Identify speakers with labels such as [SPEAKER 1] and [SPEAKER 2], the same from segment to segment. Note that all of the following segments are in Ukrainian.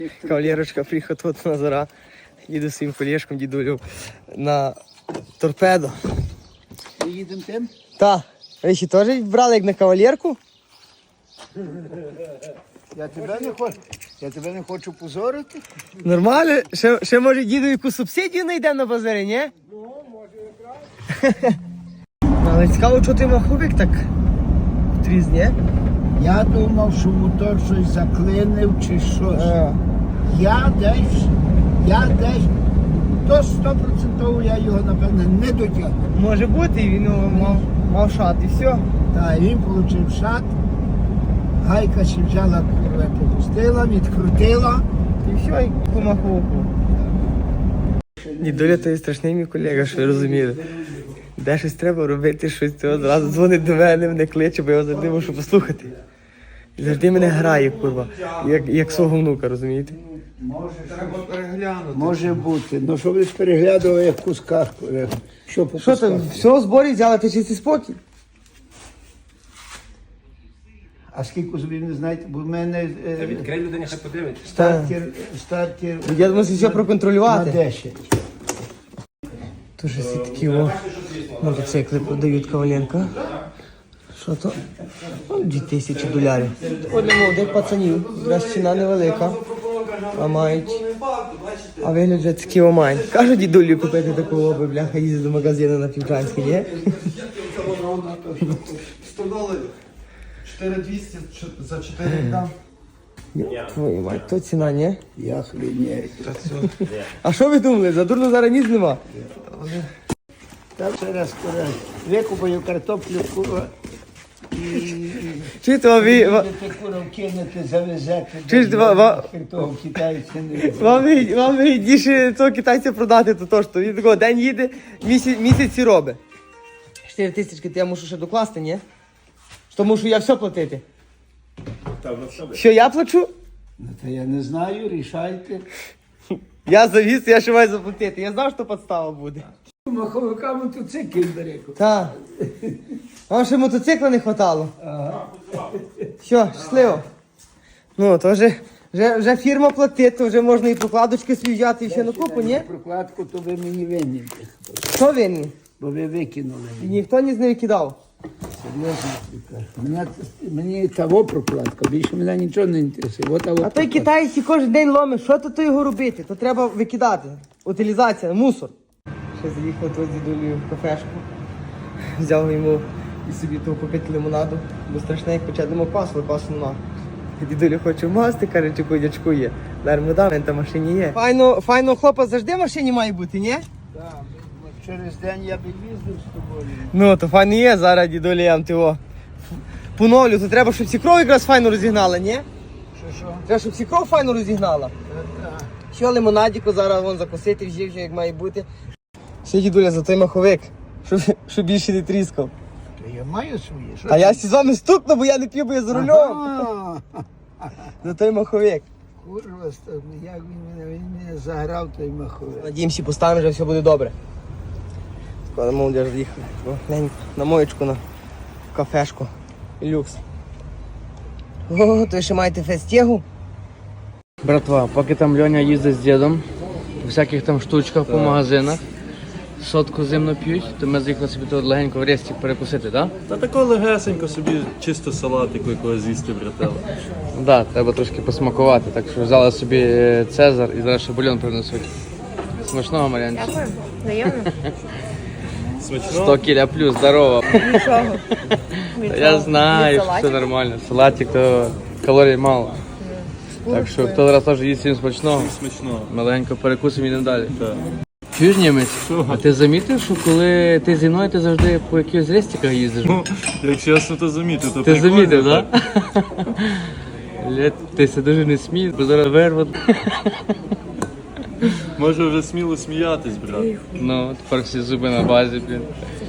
[SPEAKER 1] Кавалерочка приїхав тут на Зара. Їду з своїм колєшком, дідулю, на торпедо.
[SPEAKER 2] Ми їдемо тим?
[SPEAKER 1] Так. Ви ще теж брали як на кавалерку?
[SPEAKER 2] Я тебе не хочу позорити.
[SPEAKER 1] Нормально? Ще може діду яку субсидію знайдемо на базарі, ні?
[SPEAKER 2] Ну, може якраз.
[SPEAKER 1] Але цікаво, що ти маховик так тріз, ні?
[SPEAKER 2] Я думав, що мотор щось заклинив чи щось. Я десь до 100% я його, напевно, не дотягнув.
[SPEAKER 1] Може бути, він мав шат і все.
[SPEAKER 2] Так, він отримав шат, гайка ще взяла, попустила, відкрутила.
[SPEAKER 1] І все, і по маховику. Дідуля, то є страшний мій колега, що ви розуміли. Де щось треба робити, щось цього одразу дзвонить до мене кличе, бо я його завжди можу послухати. І завжди мене грає, курва, як свого внука, розумієте?
[SPEAKER 2] Може бути. Ну, що ви переглядували як в кусках. Що по
[SPEAKER 1] Що
[SPEAKER 2] кусках?
[SPEAKER 1] там, все в зборі взяла, ти чистий спокій?
[SPEAKER 2] А скільки собі не знаєте, бо в мене
[SPEAKER 3] Відкрий людині, хай подивиться.
[SPEAKER 2] стартер
[SPEAKER 1] Я мусив все
[SPEAKER 2] на
[SPEAKER 1] проконтролювати.
[SPEAKER 2] 10.
[SPEAKER 1] Тут же всі такі мотоцикли продають Коваленка. Що то? $2000. От для молодих пацанів. Зараз ціна невелика. А мають. А вигляд вже такі мають. Кажуть дідулі купити такого, бо бляха їздить до магазину на Півчанській, ні?
[SPEAKER 4] $100, 4200 за 4 дам.
[SPEAKER 1] Твою мать, то ціна, ні?
[SPEAKER 2] Я хрінею.
[SPEAKER 1] А що ви думали? Задурно зараз ніс нема.
[SPEAKER 2] Так ще раз викупаю картоплю, курва, і
[SPEAKER 1] Чи то ви...
[SPEAKER 2] будете курва кинути, завезете.
[SPEAKER 1] Чи ж
[SPEAKER 2] того китайця не
[SPEAKER 1] Вам вигідніше цього китайця продати, то що він такого день їде, місяці робить. 4000 я мушу ще докласти, ні? Що мушу я все платити? Що я плачу?
[SPEAKER 2] Ну, та я не знаю, рішайте.
[SPEAKER 1] Я завіз, я ще маю заплатити. Я знав, що підстава буде.
[SPEAKER 2] Маховика мотоцикл бере.
[SPEAKER 1] Так. Вам ще мотоцикла не хватало.
[SPEAKER 2] Ага.
[SPEAKER 1] Все, щасливо. Ну, то вже фірма платить, то вже можна і прокладочки свій взяти і ще на купу, ні?
[SPEAKER 2] Прокладку то ви мені винні,
[SPEAKER 1] Що винні?
[SPEAKER 2] бо ви викинули.
[SPEAKER 1] І ніхто ні з нею кидав.
[SPEAKER 2] Серйозно, мені того прокладка, більше мене нічого не інтересує. От того
[SPEAKER 1] А той
[SPEAKER 2] прокладка.
[SPEAKER 1] китайці кожен день ломить, що то його робити? То треба викидати. Утилізація, мусор. Ще заїхав тут з дідулею в кафешку. Взяв йому і собі того попити лимонаду, бо страшне, як почати нема квасу, але квасу нема. Дідуля хоче масти, каже, чи дядьку є. Дармо дам, він там в машині є. Файно хлопа завжди в машині має бути, ні?
[SPEAKER 2] Так, через день я б їздив з тобою.
[SPEAKER 1] Ну, то файно є, зараз дідуля я його поновлю, то треба, щоб всі кров якраз файно розігнала, ні?
[SPEAKER 2] Що?
[SPEAKER 1] Треба, щоб всі кров файно розігнала.
[SPEAKER 2] Так.
[SPEAKER 1] Що лимонадіку зараз вон закусити вже як має бути. Ще дідуля за той маховик, щоб більше не тріскав.
[SPEAKER 2] То я маю своє. Що
[SPEAKER 1] А я з вами стукну, бо я не п'ю, бо я за рулем.
[SPEAKER 2] Ага.
[SPEAKER 1] За той маховик.
[SPEAKER 2] Курва, як він мене заграв той маховик.
[SPEAKER 1] Надіємося, поставимо, вже все буде добре. Скоро молодіж з'їхали. Глянь, на моєчку, на кафешку. Люкс. О, то ще маєте фестігу?
[SPEAKER 5] Братва, поки там Льоня їздить з дідом, у всяких там штучках по магазинах, сотку зимно п'ють, то ми заїхали собі тут легенько в рестик перекусити, так?
[SPEAKER 4] Та тако легесенько собі чисто салатику якогось з'їсти, братела.
[SPEAKER 5] Так, да, треба трошки посмакувати, так що взяли собі Цезар і зараз ще бульон принесуть. Смачного, Мар'янчик.
[SPEAKER 6] Дякую. Взаємно.
[SPEAKER 5] 100 кіля плюс, здорово.
[SPEAKER 6] Нічого.
[SPEAKER 5] Я знаю, що все нормально. Салатик, то калорій мало. Так що хто зараз теж їсть всім смачного,
[SPEAKER 4] Смачного.
[SPEAKER 5] ми легенько перекусимо і йдемо далі.
[SPEAKER 4] Так.
[SPEAKER 5] Чуєш, німець? А ти замітив, що коли ти зі мною, ти завжди по якихось рестиках їздиш?
[SPEAKER 4] Ну, як чесно, то замітив. То
[SPEAKER 5] Ти
[SPEAKER 4] прикольно,
[SPEAKER 5] замітив, так? Ти це дуже не смій, бо зараз вирват.
[SPEAKER 4] Може вже сміло сміятись, брат.
[SPEAKER 5] Ну, тепер всі зуби на базі, блін.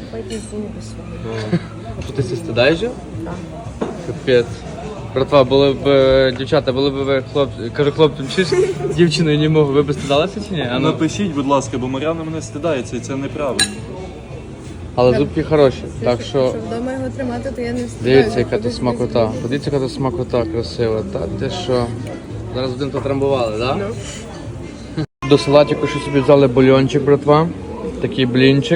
[SPEAKER 5] Що ти це стидаєш? Так. Капець. Братва, були б дівчата, були б ви кажу хлопцям, чи ж дівчиною не можу, ви б стидалися чи ні? А ну.
[SPEAKER 4] Напишіть, будь ласка, бо Мар'яна мене стидається і це неправильно.
[SPEAKER 5] Але зубки хороші, так що
[SPEAKER 6] Щоб вдома його тримати, то я не встигаю.
[SPEAKER 5] дивіться, яка тут смакота. Подивіться, яка тут смакота красива. Та ти що? Зараз один то трамбували, так? Да? До салатику ще собі взяли бульончик, братва. Такий блінчик.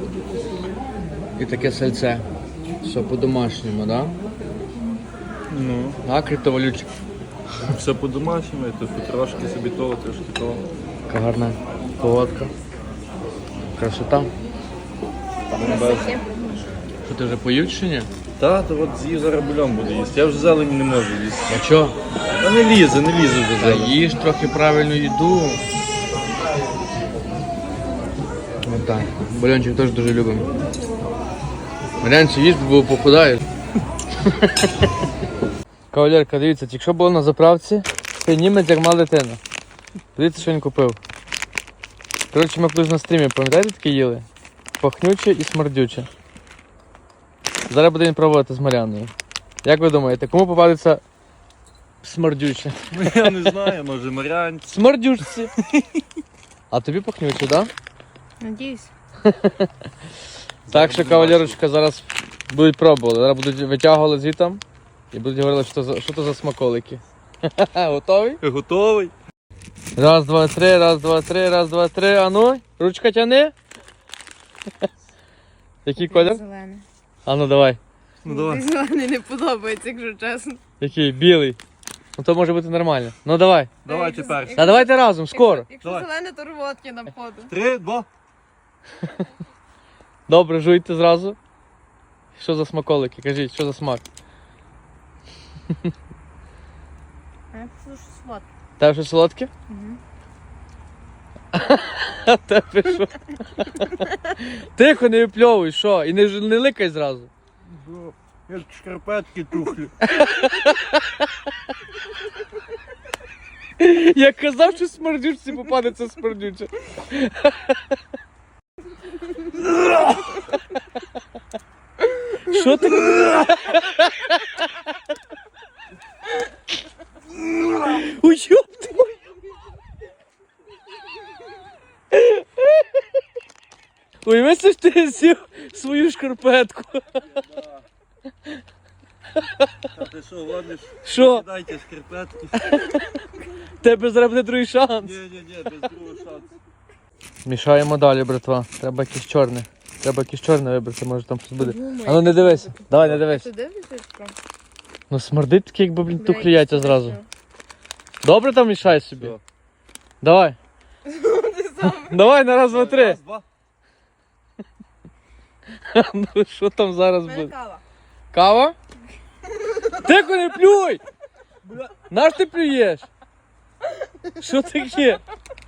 [SPEAKER 5] І таке сальце. Все по-домашньому, так? Да?
[SPEAKER 4] Ну,
[SPEAKER 5] А, криптовалютчик.
[SPEAKER 4] все по-домашньому, типу, трошки собі того, трошки того.
[SPEAKER 5] Така гарна погодка. Красота. Що ти вже поїв чи ні?
[SPEAKER 4] Та, то от з'їв зараз бульон буду їсти. Я вже зелені не можу їсти.
[SPEAKER 5] А чо?
[SPEAKER 4] Та не лізе вже
[SPEAKER 5] Та
[SPEAKER 4] зелень.
[SPEAKER 5] їж трохи правильну їду. Отак. Бульончик теж дуже любимо. Марянці їж, бо похудаєш. Кавалерка, дивіться, якщо було на заправці, цей німець як мала дитина. Дивіться, що він купив. Коротше, ми колись на стрімі, пам'ятаєте, таке їли? Пахнюче і смердюче. Зараз буде він пробувати з Маряною. Як ви думаєте, кому попадеться смердюче?
[SPEAKER 4] Ну, я не знаю, може Марянці.
[SPEAKER 5] Смердючці. А тобі пахнюче, так? Да?
[SPEAKER 6] Надіюсь.
[SPEAKER 5] Так що, кавалерочка, зараз будуть пробувати. Зараз будуть витягувати звітом і будуть говорити, що то за смаколики. Готовий?
[SPEAKER 4] Готовий?
[SPEAKER 5] Раз, два, три, раз, два, три, раз, два, три. А ну, ручка тяни. Який колір?
[SPEAKER 6] Зелене.
[SPEAKER 5] А ну давай.
[SPEAKER 4] Ну давай.
[SPEAKER 6] Зелений не подобається, якщо чесно.
[SPEAKER 5] Який? Білий. Ну то може бути нормально. Ну давай.
[SPEAKER 4] Давай тепер.
[SPEAKER 5] Та давайте разом, скоро.
[SPEAKER 6] Якщо
[SPEAKER 4] Давай.
[SPEAKER 6] зелене, то рвотки на входу.
[SPEAKER 4] 3, 2.
[SPEAKER 5] Добре, жуйте зразу. Що за смаколики? Кажіть, що за смак?
[SPEAKER 6] А я пишу, що сладке.
[SPEAKER 5] Тебе що солодке? А тебе що? Тихо, не випльовуй, що? І не ликай зразу.
[SPEAKER 4] Як шкарпетки тухлі.
[SPEAKER 5] Я казав, що смердючці попадеться смердюче. Що ти? Ой, ёб твою. Ой, весь ж ти з'їв свою шкарпетку.
[SPEAKER 4] А ти що, гониш?
[SPEAKER 5] Що?
[SPEAKER 4] Дайте шкарпетки.
[SPEAKER 5] Тебе зараз буде другий шанс.
[SPEAKER 4] Ні, без другого шансу.
[SPEAKER 5] Мішаємо далі, братва. Треба якесь чорне. Треба якесь чорне вибрати, може там щось буде. А ну не дивись. Давай, не дивись.
[SPEAKER 6] Ти дивишся?
[SPEAKER 5] Ну смердить таке, якби, блін, тухлі яйця зразу. Добре там мішай собі?
[SPEAKER 4] Все.
[SPEAKER 5] Давай. Давай на раз, два, три.
[SPEAKER 4] Раз, два.
[SPEAKER 5] Ну що там зараз
[SPEAKER 6] У мене
[SPEAKER 5] буде?
[SPEAKER 6] кава.
[SPEAKER 5] Кава? Тихо, не плюй! Наш ти плюєш? Що таке?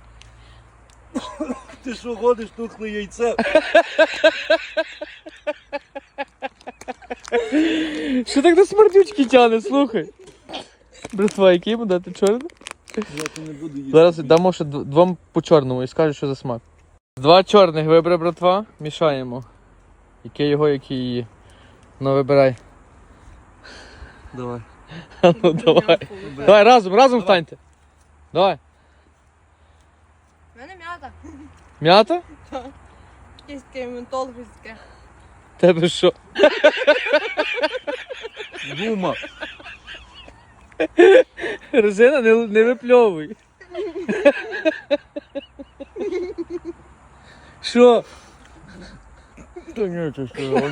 [SPEAKER 4] Ти що гониш тухле яйце?
[SPEAKER 5] Що так до смердючки тягне, слухай? Братва, який йому дати чорний?
[SPEAKER 4] Я то не буду їсти.
[SPEAKER 5] Зараз дамо ще двом по чорному і скажу, що за смак. Два чорних вибери, братва, мішаємо. Яке його, який її. Ну вибирай.
[SPEAKER 4] Давай.
[SPEAKER 5] А ну давай. Давай, разом встаньте. Давай.
[SPEAKER 6] У мене м'ята.
[SPEAKER 5] М'ята?
[SPEAKER 6] Якесь таке ментол, щось таке.
[SPEAKER 5] Тебе що?
[SPEAKER 4] Гума.
[SPEAKER 5] Резина, не випльовуй. Що?
[SPEAKER 4] Та ні, ти що?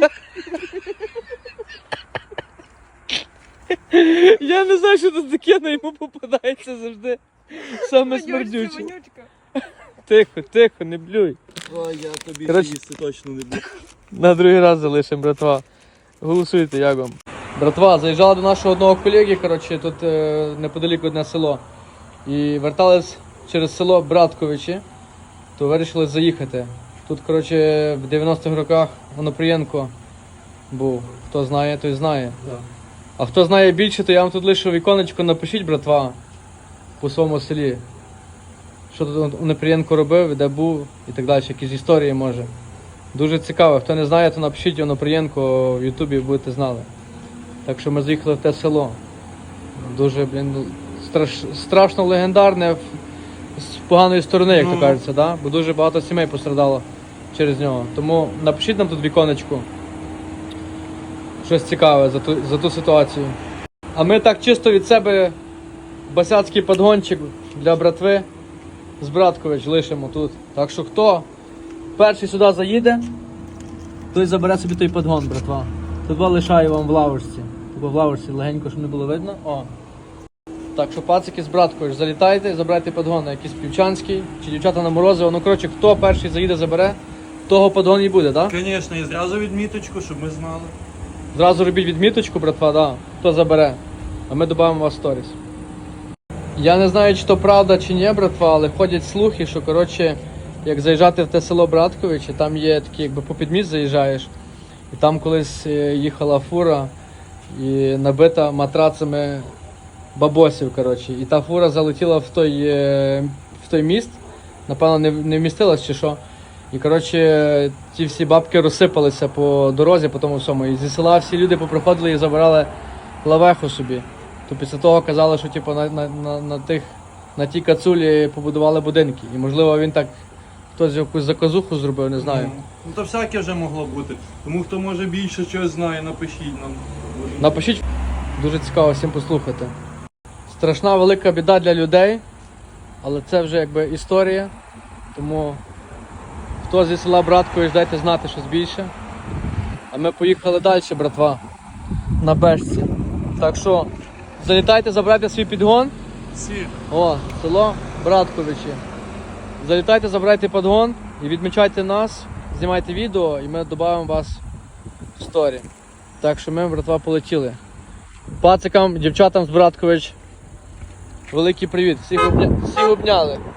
[SPEAKER 5] Я не знаю, що тут таке, але йому попадається завжди. Саме смердюче.
[SPEAKER 6] Вонючка.
[SPEAKER 5] Тихо, не блюй.
[SPEAKER 4] Ой, я тобі
[SPEAKER 5] Коротше-
[SPEAKER 4] їсти точно не буду.
[SPEAKER 5] На другий раз залишимо, братва. Голосуйте, як вам. Братва, заїжджали до нашого одного колеги, коротше, тут неподалік одне село. І вертались через село Братковичі, то вирішили заїхати. Тут, коротше, в 90-х роках Онопрієнко був. Хто знає, той знає. А хто знає більше, то я вам тут лишу віконечко, напишіть, братва, по своєму селі. Що тут Онопрієнко робив, де був і так далі, якісь історії може. Дуже цікаво. Хто не знає, то напишіть Онопрієнко в Ютубі, будете знали. Так що ми заїхали в те село. Дуже, блін, страшно легендарне з поганої сторони, як то кажеться, да? Бо дуже багато сімей пострадало через нього. Тому напишіть нам тут віконечку. Щось цікаве за ту ситуацію. А ми так чисто від себе басяцький подгончик для братви з Браткович лишимо тут. Так що хто перший сюди заїде, той забере собі той подгон, братва. Тут лишаю вам в лавочці. Тобто в лавочці легенько, щоб не було видно. О. Так що пацики з Браткович, залітайте, забирайте подгон на якийсь півчанський, чи дівчата на морозиво. Ну коротше, хто перший заїде, забере, того подгон і буде, так?
[SPEAKER 4] Звісно, і зразу відміточку, щоб ми знали.
[SPEAKER 5] Зразу робіть відміточку, братва, да, хто забере. А ми додамо вас в сторіс. Я не знаю, чи то правда, чи ні, братва, але ходять слухи, що, коротше, як заїжджати в те село Братковичі, там є такі, якби по підміст заїжджаєш, і там колись їхала фура і набита матрацами бабосів, коротше. І та фура залетіла в той міст, напевно, не вмістилась чи що. І, коротше, ті всі бабки розсипалися по дорозі, по тому всьому. І зі села всі люди поприходили і забирали лавеху собі. То після того казали, що типу, на тій кацулі побудували будинки. І можливо він так хтось якусь заказуху зробив, не знаю.
[SPEAKER 4] Ну то всяке вже могло бути. Тому хто може більше чогось знає, напишіть нам.
[SPEAKER 5] Напишіть, дуже цікаво всім послухати. Страшна велика біда для людей, але це вже якби історія. Тому хто зі села Браткович, дайте знати щось більше. А ми поїхали далі, братва, на бешці. Так що залітайте, забирайте свій підгон.
[SPEAKER 4] Всі.
[SPEAKER 5] О, село Братковичі. Залітайте, забирайте підгон і відмічайте нас, знімайте відео і ми додамо вас в сторі. Так що ми, братва, полетіли. Пацикам, дівчатам з Браткович, великий привіт. Всіх обняли.